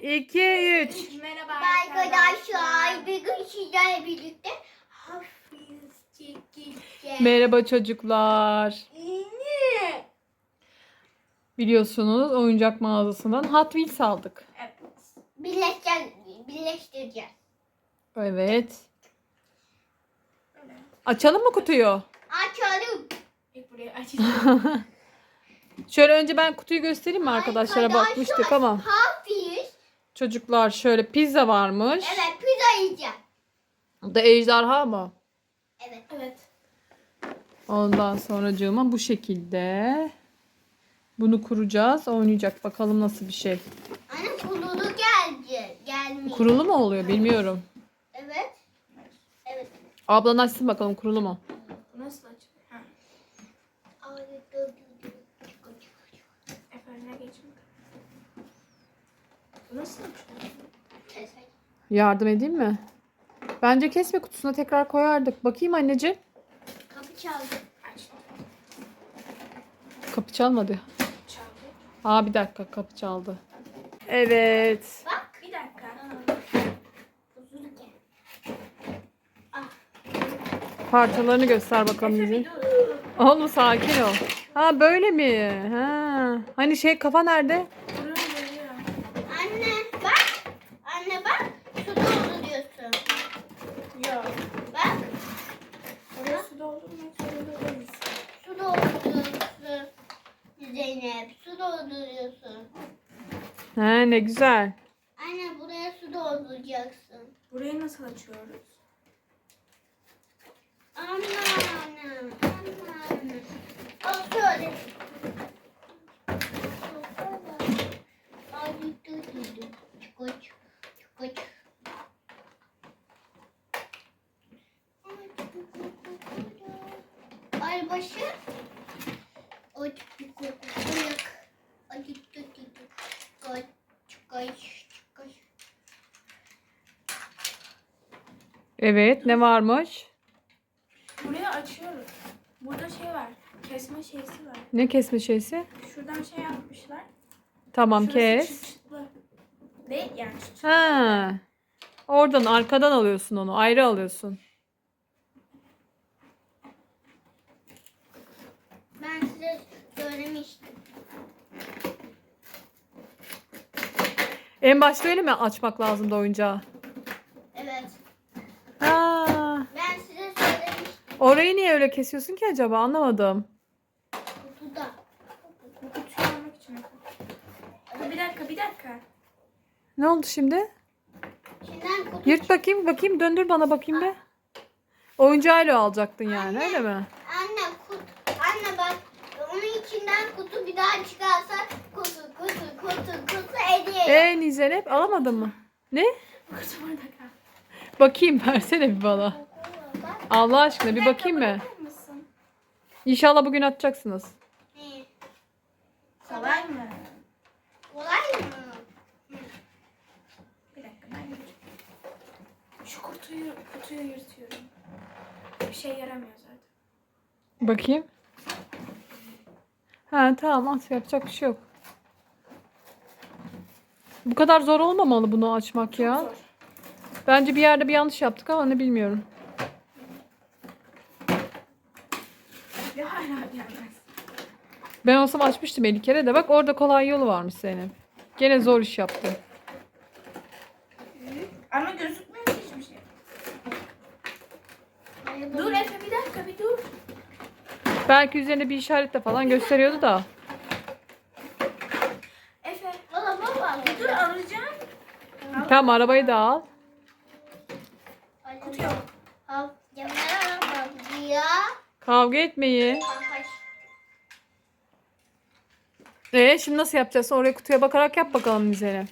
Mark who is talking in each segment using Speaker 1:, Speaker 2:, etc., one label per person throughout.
Speaker 1: 2, 3.
Speaker 2: Merhaba
Speaker 3: Arkadaşlar, bugün sizlerle birlikte hafif çekeceğiz.
Speaker 1: Merhaba çocuklar. Biliyorsunuz oyuncak mağazasından Hot Wheels aldık.
Speaker 3: Birleştireceğiz.
Speaker 1: Evet. Açalım mı kutuyu?
Speaker 3: Açalım.
Speaker 2: Buraya açacağım.
Speaker 1: Şöyle önce ben kutuyu göstereyim mi arkadaşlara bakmıştık ama.
Speaker 3: Hafif.
Speaker 1: Çocuklar şöyle pizza varmış.
Speaker 3: Evet, pizza yiyeceğim.
Speaker 1: Bu da ejderha mı?
Speaker 3: Evet.
Speaker 1: Ondan sonracığıma bu şekilde. Bunu kuracağız. Oynayacak. Bakalım nasıl bir şey.
Speaker 3: Anne kurulu gelmiyor.
Speaker 1: Kurulu mu oluyor bilmiyorum.
Speaker 3: Evet. Evet.
Speaker 1: Ablan açsın bakalım kurulu mu?
Speaker 2: Nasıl açılıyor? Ha. Efendim geçin. Nasıl açılıyor?
Speaker 1: Yardım edeyim mi? Bence kesme kutusuna tekrar koyardık. Bakayım anneciğim.
Speaker 3: Kapı çaldı.
Speaker 2: Açtım.
Speaker 1: Kapı çalmadı.
Speaker 2: Çaldı.
Speaker 1: Bir dakika kapı çaldı. Evet.
Speaker 3: Bak.
Speaker 2: Bir dakika.
Speaker 3: Uzun gel.
Speaker 1: Parçalarını göster bakalım
Speaker 2: Efe
Speaker 1: bize.
Speaker 2: bir dur.
Speaker 1: Oğlum sakin ol. Böyle mi? Hani kafa nerede?
Speaker 2: Duruyor.
Speaker 3: Anne bak. Anne bak. Su dolduruyorsun.
Speaker 2: Yok.
Speaker 3: Bak.
Speaker 2: Oraya su doldurmak zorunda değiliz.
Speaker 3: Su dolduruyorsun. Zeynep. Su dolduruyorsun.
Speaker 1: Ne güzel.
Speaker 3: Anne buraya su dolduracaksın.
Speaker 2: Burayı nasıl açıyoruz?
Speaker 3: Anne. Al şöyle. Ay dur. Çıkoç. Ay başı. Ay çıkoç. Ay çıkoç.
Speaker 1: Evet ne varmış?
Speaker 2: Burayı açıyoruz. Burada şey var. Kesme şeysi var.
Speaker 1: Ne kesme şeysi?
Speaker 2: Şuradan şey yapmışlar.
Speaker 1: Tamam
Speaker 2: Şurası
Speaker 1: kes.
Speaker 2: çıt çıtlı. Değil yani çıt çıtlı.
Speaker 1: Oradan arkadan alıyorsun onu. Ayrı alıyorsun.
Speaker 3: Ben size söylemiştim.
Speaker 1: En başta öyle mi açmak lazımdı oyuncağı?
Speaker 3: Evet.
Speaker 1: Ha.
Speaker 3: Ben size söylemiştim.
Speaker 1: Orayı niye öyle kesiyorsun ki acaba? Anlamadım.
Speaker 3: Kutuda.
Speaker 2: Bu kutuyu almak için. Bir dakika.
Speaker 1: Ne oldu şimdi?
Speaker 3: Şimdiden kutu.
Speaker 1: Yırt bakayım. Döndür bana bakayım be. Oyuncağıyla alacaktın yani öyle mi?
Speaker 3: Anne bak. Onun içinden kutu bir daha çıkarsa kutu hediye.
Speaker 1: Zeynep alamadın mı? Ne?
Speaker 2: Kutu burada kal.
Speaker 1: Bakayım versene bir bana.
Speaker 3: Bak.
Speaker 1: Allah aşkına bir bakayım mı?
Speaker 2: Bakar mısın?
Speaker 1: İnşallah bugün atacaksınız.
Speaker 3: Ne?
Speaker 2: Kolay mı?
Speaker 3: Kolay mı?
Speaker 2: Bir dakika ben yapacağım. Şu kutuyu yırtıyorum. Bir şey yaramıyor zaten.
Speaker 1: Bakayım. Tamam at yapacak bir şey yok. Bu kadar zor olmamalı bunu açmak ya.
Speaker 2: Zor.
Speaker 1: Bence bir yerde bir yanlış yaptık ama ne bilmiyorum.
Speaker 2: Ve hala gelmez.
Speaker 1: Ben olsam açmıştım 50 kere de. Bak orada kolay yolu varmış senin. Gene zor iş yaptı.
Speaker 2: Ama gözükmüyor ki hiçbir şey. Dur Efe bir dakika bir dur.
Speaker 1: Belki üzerinde bir işaretle falan gösteriyordu da.
Speaker 2: Efe
Speaker 3: Baba.
Speaker 2: bir dur alacağım.
Speaker 1: Tamam arabayı da al.
Speaker 2: Kutu yok.
Speaker 3: Al. Bak ya.
Speaker 1: Kavga etmeyin. Şimdi nasıl yapacağız? Oraya kutuya bakarak yap bakalım bize.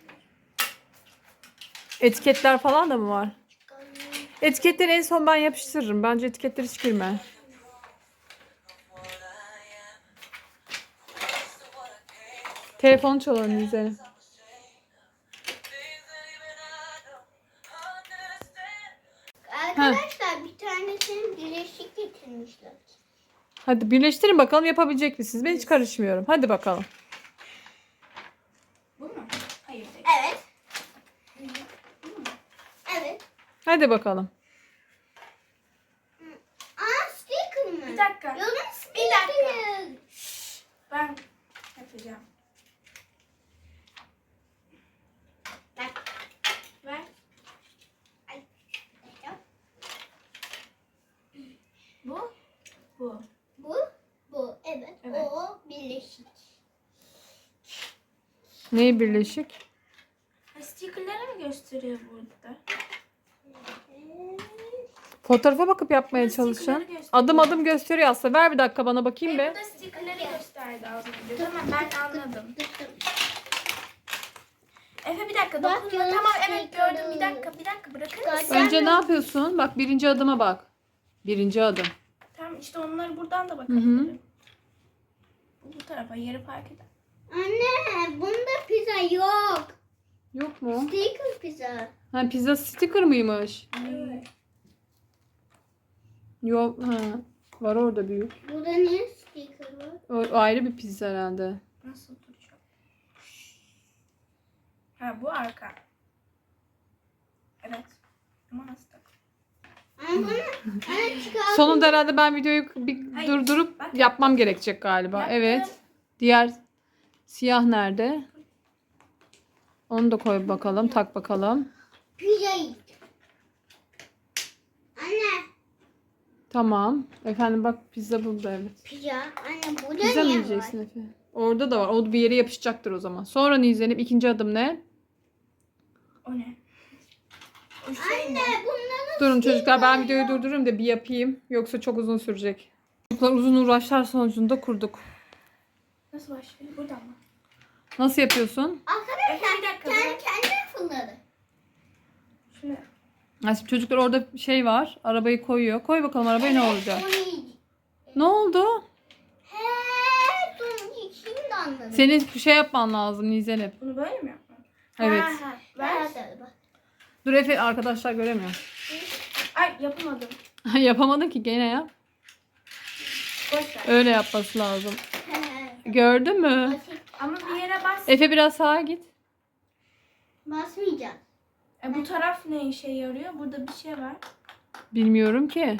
Speaker 1: Etiketler falan da mı var? Etiketleri en son ben yapıştırırım. Bence etiketler hiç girme. Telefon çalalım bize.
Speaker 3: Arkadaşlar bir tanesini birleşik getirmişler.
Speaker 1: Hadi birleştirin bakalım yapabilecek misiniz? Ben hiç karışmıyorum. Hadi bakalım.
Speaker 2: Bu mu? Hayır değil.
Speaker 3: Evet.
Speaker 1: Hadi bakalım.
Speaker 3: Aa sticker mı?
Speaker 2: Bir dakika.
Speaker 3: Yolun
Speaker 2: Bir dakika.
Speaker 3: sticker.
Speaker 2: Ben yapacağım.
Speaker 3: Bak.
Speaker 2: Ver.
Speaker 3: Ay.
Speaker 2: Bu. Bu.
Speaker 3: Bu. Evet.
Speaker 2: Evet.
Speaker 3: O birleşik.
Speaker 1: Neyi birleşik?
Speaker 2: Stickerları mı gösteriyor burada?
Speaker 1: Fotoğrafa bakıp yapmaya
Speaker 2: Nasıl
Speaker 1: çalışacağım.
Speaker 2: stickerları gösteriyor?
Speaker 1: Adım adım gösteriyor aslında. Ver bir dakika bana bakayım be.
Speaker 2: Burada stickerları gösterdi az önce. Tamam ben anladım. Efe bir dakika
Speaker 3: Bak,
Speaker 2: dokunma.
Speaker 3: yolun
Speaker 2: Tamam evet
Speaker 3: stickerı.
Speaker 2: gördüm. Bir dakika bırakır
Speaker 3: Bak.
Speaker 2: mısın?
Speaker 1: Önce ne yapıyorsun? Bak birinci adıma bak. Birinci adım.
Speaker 2: Tamam işte onları buradan da bakabilirim. Bu tarafa yeri fark eder.
Speaker 3: Anne bunda pizza yok.
Speaker 1: Yok mu?
Speaker 3: Sticker pizza.
Speaker 1: Ha pizza sticker mıymış?
Speaker 3: Evet.
Speaker 1: Yok. Ha. Var orada büyük.
Speaker 3: Burada niye sticker var?
Speaker 1: O ayrı bir pizza herhalde.
Speaker 2: Nasıl duracak? Ha bu arka. Evet. Ama nasıl tak?
Speaker 3: Ama bana çıkar.
Speaker 1: Sonunda herhalde ben videoyu bir
Speaker 2: Hayır,
Speaker 1: durdurup
Speaker 2: bak.
Speaker 1: yapmam gerekecek galiba.
Speaker 2: Yaptım.
Speaker 1: Evet. Diğer siyah nerede? Onu da koy bakalım. Tak bakalım.
Speaker 3: Pizza yiyeceğim. Anne.
Speaker 1: Tamam. Efendim bak pizza burada evet.
Speaker 3: Pizza. Anne burada
Speaker 1: Pizza mı
Speaker 3: niye
Speaker 1: yiyeceksin
Speaker 3: var?
Speaker 1: Efe? Orada da var. O bir yere yapışacaktır o zaman. Sonra Nizen'im ikinci adım ne?
Speaker 2: O ne? O şey
Speaker 3: Anne
Speaker 2: ne?
Speaker 3: bunların
Speaker 1: Durun çocuklar ben
Speaker 3: sticker
Speaker 1: videoyu durdurayım da bir yapayım. Yoksa çok uzun sürecek. Çocuklar uzun uğraşlar sonucunda kurduk.
Speaker 2: Nasıl başlıyor? Buradan mı?
Speaker 1: Nasıl yapıyorsun?
Speaker 3: Arkadaşlar
Speaker 2: Efe bir dakika.
Speaker 3: kendi fırladı.
Speaker 2: Şunu.
Speaker 1: Ha, şimdi çocuklar orada şey var. Arabayı koyuyor. Koy bakalım arabaya ne olacak?
Speaker 3: Onu yiyeceğim.
Speaker 1: Ne oldu?
Speaker 3: He, şimdi anladım.
Speaker 1: Senin bir şey yapman lazım Nizen'im.
Speaker 2: Bunu böyle mi yapmam?
Speaker 1: Evet.
Speaker 2: Ha, ver.
Speaker 3: Ver.
Speaker 1: Dur Efe arkadaşlar göremiyor.
Speaker 2: Ay yapamadım.
Speaker 1: Yapamadın ki gene yap.
Speaker 2: Boş ver.
Speaker 1: Öyle yapması lazım. Gördün mü?
Speaker 3: Basit.
Speaker 2: Ama bir yere bas.
Speaker 1: Efe biraz sağa git.
Speaker 3: Basmayacağım.
Speaker 2: Bu taraf ne işe yarıyor? Burada bir şey var.
Speaker 1: Bilmiyorum ki.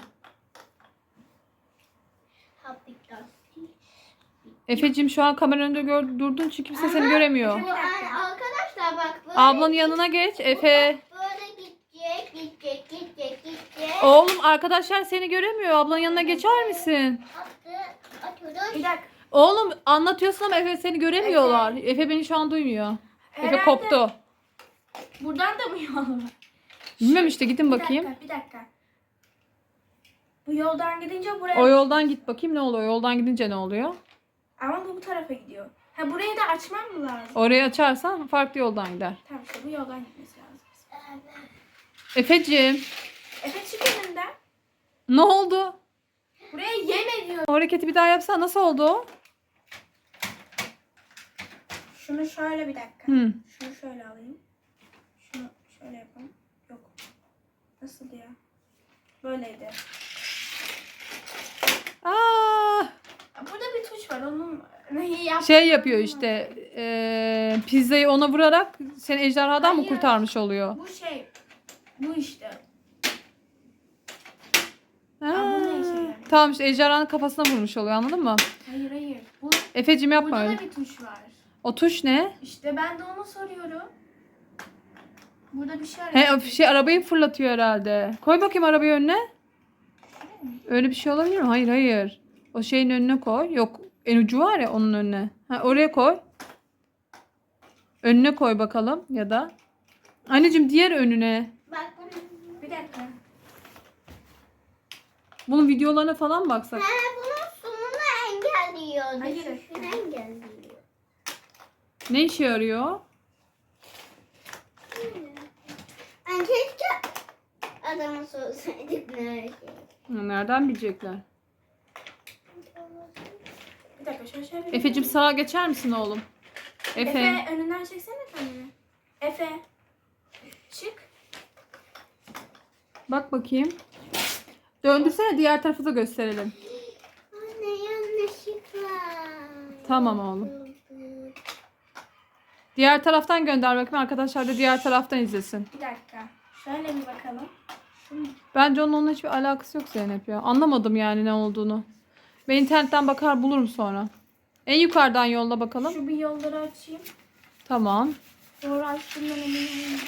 Speaker 1: Efe'cim şu an kamera önünde durdun çünkü kimse seni göremiyor.
Speaker 3: Bu arkadaşlar bak böyle.
Speaker 1: Ablanın yanına geç Efe.
Speaker 3: Böyle gidecek.
Speaker 1: Oğlum arkadaşlar seni göremiyor. Ablanın yanına geçer misin?
Speaker 3: Atıyoruz.
Speaker 2: Bir dakika.
Speaker 1: Oğlum anlatıyorsun ama Efe seni göremiyorlar. Efe beni şu an duymuyor. Efe
Speaker 2: Herhalde
Speaker 1: koptu.
Speaker 2: Buradan da mı yol var?
Speaker 1: Bilmem işte gidin bakayım.
Speaker 2: Bir dakika. Bu yoldan gidince buraya...
Speaker 1: O yoldan git bakayım ne oluyor? Yoldan gidince ne oluyor?
Speaker 2: Ama bu tarafa gidiyor. Ha burayı da açmam mı lazım?
Speaker 1: Orayı açarsan farklı yoldan gider.
Speaker 2: Tamam işte bu yoldan gitmesi lazım.
Speaker 1: Efeciğim
Speaker 2: Efe çık önünden.
Speaker 1: ne oldu?
Speaker 2: Buraya yem ediyor.
Speaker 1: O hareketi bir daha yapsan nasıl oldu o?
Speaker 2: Şunu şöyle bir dakika.
Speaker 1: Hı.
Speaker 2: Şunu şöyle alayım. Şunu şöyle yapalım. Yok. Nasıl ya? Böyleydi.
Speaker 1: Aa,
Speaker 2: Burada bir tuş var. Onun neyi yap?
Speaker 1: şey yapıyor işte pizzayı ona vurarak seni ejderhadan mı
Speaker 2: Hayır.
Speaker 1: kurtarmış oluyor?
Speaker 2: Bu şey. Bu işte.
Speaker 1: Ha,
Speaker 2: bu ne işe yarıyor?
Speaker 1: tamam işte ejderhanın kafasına vurmuş oluyor anladın mı?
Speaker 2: Hayır. Bu,
Speaker 1: Efeciğim yapma
Speaker 2: burada
Speaker 1: öyle.
Speaker 2: da bir tuş var.
Speaker 1: O tuş ne?
Speaker 2: İşte ben de onu soruyorum. Burada bir şey
Speaker 1: He
Speaker 2: arıyor.
Speaker 1: o şey arabayı fırlatıyor herhalde. Koy bakayım arabayı önüne. Öyle bir şey olabilir mi? Hayır. O şeyin önüne koy. Yok en ucu var ya onun önüne. Ha, oraya koy. Önüne koy bakalım ya da. Anneciğim diğer önüne.
Speaker 3: Bak bunu.
Speaker 2: Bir dakika.
Speaker 1: Bunun videolarına falan baksak.
Speaker 3: He bunun sonunu engelliyor.
Speaker 2: Hayır.
Speaker 3: Düşüşünü engelliyor.
Speaker 1: Ne işe yarıyor?
Speaker 3: Ben keşke adama sorsaydık ne şey.
Speaker 1: Nereden bilecekler?
Speaker 2: Bir dakika şöyle.
Speaker 1: Efeciğim sağa geçer misin oğlum?
Speaker 2: Efe önünden çeksene kendini. Efe. Çık.
Speaker 1: Bak bakayım. Döndürsene diğer tarafı da gösterelim.
Speaker 3: Anne yanlışlıkla.
Speaker 1: Tamam oğlum. Diğer taraftan gönder bakayım arkadaşlar da diğer taraftan izlesin.
Speaker 2: Bir dakika. Şöyle bir bakalım.
Speaker 1: Bence onunla hiçbir alakası yok Zeynep ya. Anlamadım yani ne olduğunu. Ben internetten bakar bulurum sonra. En yukarıdan yolla bakalım.
Speaker 2: Şu bir yolları açayım.
Speaker 1: Tamam.
Speaker 2: Doğru açtığımdan eminim.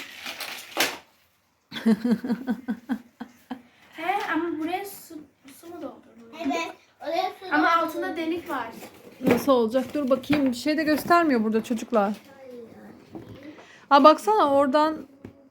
Speaker 2: He ama buraya su mu doldurulur?
Speaker 3: Evet. Oraya su
Speaker 2: Ama
Speaker 3: doldurun.
Speaker 2: altında delik var.
Speaker 1: Nasıl olacak? Dur bakayım. Bir şey de göstermiyor burada çocuklar. Ha baksana oradan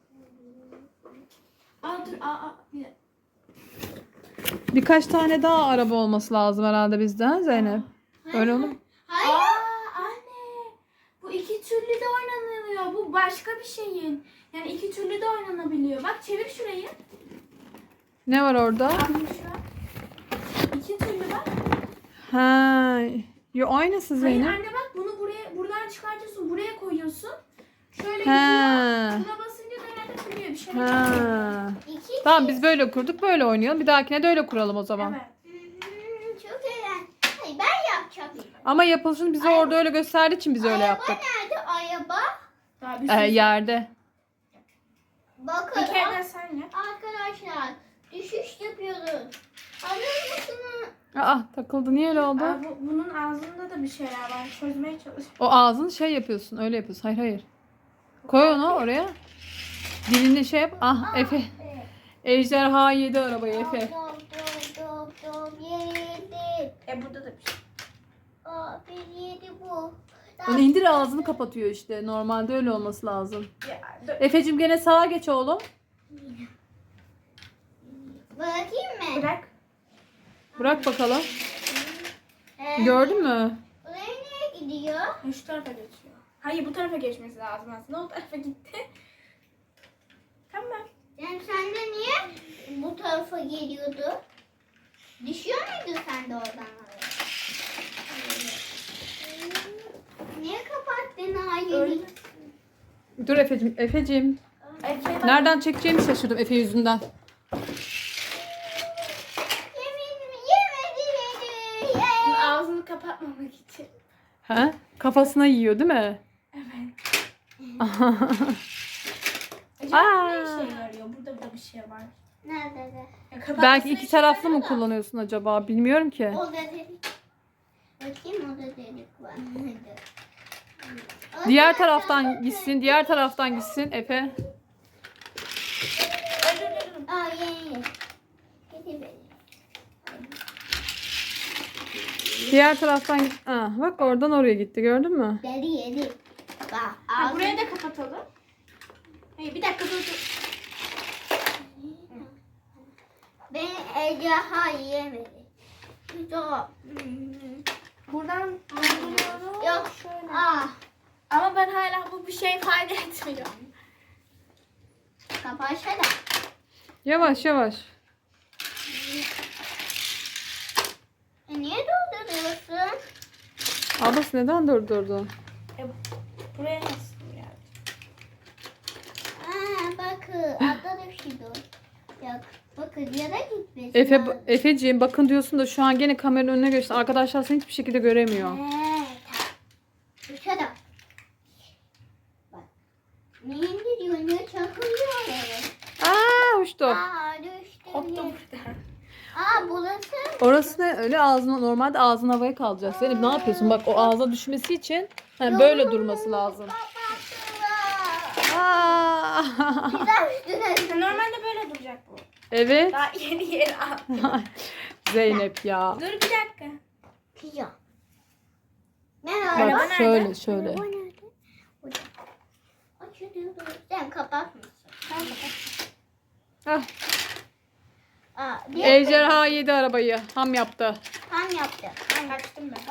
Speaker 2: Aa dur bir dakika.
Speaker 1: birkaç tane daha araba olması lazım herhalde bizden Zeynep. Öyle olur mu?
Speaker 3: Hayır.
Speaker 2: Anne. Bu iki türlü de oynanılıyor. Bu başka bir şeyin. Yani iki türlü de oynanabiliyor. Bak çevir şurayı.
Speaker 1: Ne var orada?
Speaker 2: Anne şu an. İki türlü bak.
Speaker 1: Ha, yo aynısı
Speaker 2: Hayır
Speaker 1: Zeynep.
Speaker 2: anne bak bunu buradan çıkartıyorsun. Buraya koyuyorsun. Şöyle
Speaker 1: Ha.
Speaker 2: gidiyor. Buna basınca genelde kuruyor. Bir şey oluyor.
Speaker 1: Ha.
Speaker 3: İki.
Speaker 1: Tamam biz böyle kurduk böyle oynayalım. Bir dahakine de öyle kuralım o zaman.
Speaker 2: Evet.
Speaker 3: Çok eğlenceli. Hayır ben yapacağım.
Speaker 1: Ama yapılışını bize orada öyle gösterdiği için biz öyle yaptık.
Speaker 3: Nerede araba?
Speaker 2: Daha bir sürü.
Speaker 1: Yerde.
Speaker 3: Bakın
Speaker 2: Bir kere de sen yap.
Speaker 3: arkadaşlar düşüş yapıyoruz. Alır mısınız?
Speaker 1: Aa takıldı. Niye öyle oldu?
Speaker 2: Bunun ağzında da bir şeyler var. Çözmeye çalışıyorum.
Speaker 1: O ağzını şey yapıyorsun. Öyle yapıyorsun. Hayır hayır. Koy onu oraya. Dilini şey yap. Ah Efe. Ejderha yedi arabayı Efe.
Speaker 3: Dop yedi.
Speaker 2: Burada da bir şey.
Speaker 3: Aa bir yedi bu.
Speaker 1: Onu indir ağzını kapatıyor işte. Normalde öyle olması lazım.
Speaker 2: Ya, dur.
Speaker 1: Efe'cim gene sağa geç oğlum.
Speaker 3: Bırakayım mı?
Speaker 2: Bırak.
Speaker 1: Bırak bakalım.
Speaker 3: Ee,
Speaker 1: Gördün mü?
Speaker 3: Buraya nereye gidiyor?
Speaker 2: Şu tarafa geçiyor. Hayır bu tarafa geçmesi lazım aslında. O tarafa gitti. Tamam.
Speaker 3: Yani sen de niye bu tarafa geliyordu? Düşüyor muydu sen de oradan oraya? Niye kapattın
Speaker 2: Öyle.
Speaker 3: hayır?
Speaker 1: Dur Efe'cim. Efe'cim.
Speaker 2: Efe,
Speaker 1: Nereden çekeceğimi şaşırdım Efe yüzünden.
Speaker 3: Yemedi.
Speaker 2: ağzını kapatmamak için.
Speaker 1: He? Kafasına yiyor değil mi?
Speaker 2: Evet.
Speaker 1: Aa.
Speaker 2: Ne işe yarıyor? Burada da bir şey var.
Speaker 3: Nerede de?
Speaker 2: Ya, kapatması
Speaker 1: Belki iki
Speaker 2: işe
Speaker 1: taraflı
Speaker 2: yarıyor
Speaker 1: mı
Speaker 2: da.
Speaker 1: kullanıyorsun acaba? Bilmiyorum ki.
Speaker 3: O da delik. Bakayım o da delik var.
Speaker 1: Diğer taraftan gitsin. Diğer taraftan gitsin Efe.
Speaker 2: Dur.
Speaker 3: Aa ye. Hadi be.
Speaker 1: Diğer taraftan git. Ah, bak oradan oraya gitti. Gördün mü?
Speaker 3: Deli yedi. Bak
Speaker 2: Ha, burayı da kapatalım. Hayır bir dakika dur.
Speaker 3: Ben ejderha yiyemedi. Yok.
Speaker 2: Buradan dolduruyorum.
Speaker 3: Yok.
Speaker 2: Şöyle.
Speaker 3: Ah.
Speaker 2: Ama ben hala bu bir şey fayda etmiyor.
Speaker 3: Kapatsana.
Speaker 1: Yavaş yavaş.
Speaker 3: Niye dolduruyorsun?
Speaker 1: Ablası neden durdurdu?
Speaker 2: Buraya nasıl yani?
Speaker 3: Aa bakın. Altta da bir şey dur. Yok. Bakın ya da gitmesin.
Speaker 1: Efeciğim bakın diyorsun da şu an gene kameranın önüne geçti. Arkadaşlar seni hiçbir şekilde göremiyor.
Speaker 3: Şurada. Bak. Ne indiriyor? Ne çakılıyor oraya?
Speaker 1: Aa uçtu.
Speaker 3: Aa düştüm.
Speaker 2: Koptu
Speaker 3: ya.
Speaker 2: burada.
Speaker 3: Aa burası.
Speaker 1: Orası ne? Öyle ağzına normalde ağzın havaya kalacak. Zeynep ne yapıyorsun? Bak o ağza düşmesi için böyle durması lazım.
Speaker 3: Kapattılar.
Speaker 1: Aa.
Speaker 3: Bir daha üstüne.
Speaker 2: Normalde böyle duracak bu.
Speaker 1: Evet.
Speaker 2: Daha yeni al.
Speaker 1: Zeynep ya.
Speaker 2: Dur bir dakika.
Speaker 3: Pizza. Nerede?
Speaker 1: Bak
Speaker 2: Araba
Speaker 1: şöyle
Speaker 2: nerede?
Speaker 1: şöyle.
Speaker 3: Araba nerede? Burada. Açılıyor. Sen kapatmışsın.
Speaker 2: Tamam kapat.
Speaker 1: Ah,
Speaker 3: Aa, bir
Speaker 1: ejderha yedi arabayı. Ham yaptı.
Speaker 3: Tam yaptı.
Speaker 2: Kaçtım ben.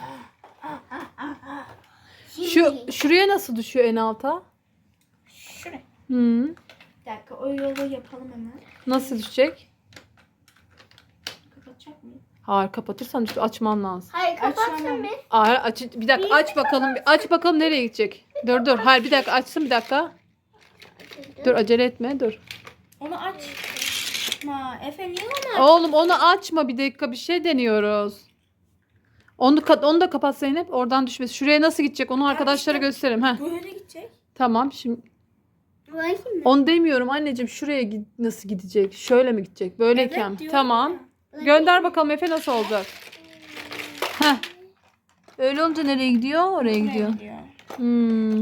Speaker 1: Şuraya nasıl düşüyor en alta?
Speaker 2: Şuraya.
Speaker 1: Hı.
Speaker 2: Bir dakika o yolu yapalım hemen.
Speaker 1: Nasıl düşecek?
Speaker 2: Kapatacak mıyım?
Speaker 1: Hayır kapatırsan açman lazım.
Speaker 3: Hayır kapatsın
Speaker 2: Açamam.
Speaker 3: bir.
Speaker 1: Hayır bir dakika aç bakalım. Aç bakalım nereye gidecek. Dur. Hayır bir dakika açsın bir dakika. Dur acele etme dur.
Speaker 2: Onu açma. Efe niye onu
Speaker 1: Oğlum onu açma bir dakika bir şey deniyoruz. Onu da kapat Zeynep. Oradan düşmesi. Şuraya nasıl gidecek onu arkadaşlara
Speaker 2: işte.
Speaker 1: gösterelim. Heh.
Speaker 2: Böyle gidecek.
Speaker 1: Tamam şimdi.
Speaker 3: Bakayım mı?
Speaker 1: Onu demiyorum anneciğim. Şuraya nasıl gidecek? Şöyle mi gidecek? Böyleyken.
Speaker 2: Evet, diyorum
Speaker 1: Tamam. Gönder bakalım Efe nasıl olacak? Heh. Öyle olunca nereye gidiyor? Oraya gidiyor. Hmm.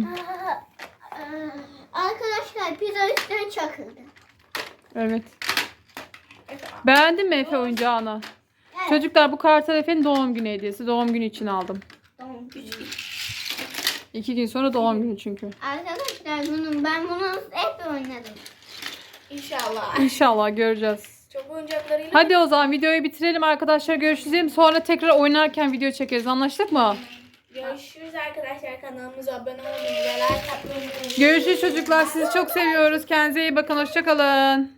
Speaker 3: Arkadaşlar pizza üstüne çakıldı.
Speaker 1: Evet. Beğendin mi Efe oyuncağını?
Speaker 3: Evet.
Speaker 1: Çocuklar bu Kartal Efe'nin doğum günü hediyesi. Doğum günü için aldım.
Speaker 3: Tamam.
Speaker 1: 2 gün sonra doğum günü çünkü.
Speaker 3: Arkadaşlar ben bunu hep oynadım.
Speaker 2: İnşallah.
Speaker 1: İnşallah göreceğiz.
Speaker 2: Çok oyuncaklarıyla.
Speaker 1: Hadi o zaman videoyu bitirelim arkadaşlar. Görüşürüz. Sonra tekrar oynarken video çekeriz. Anlaştık mı?
Speaker 2: Görüşürüz arkadaşlar. Kanalımıza abone olmayı ve like atmayı unutmayın.
Speaker 1: Görüşürüz çocuklar. Sizi çok seviyoruz. Kendinize iyi bakın. Hoşça kalın.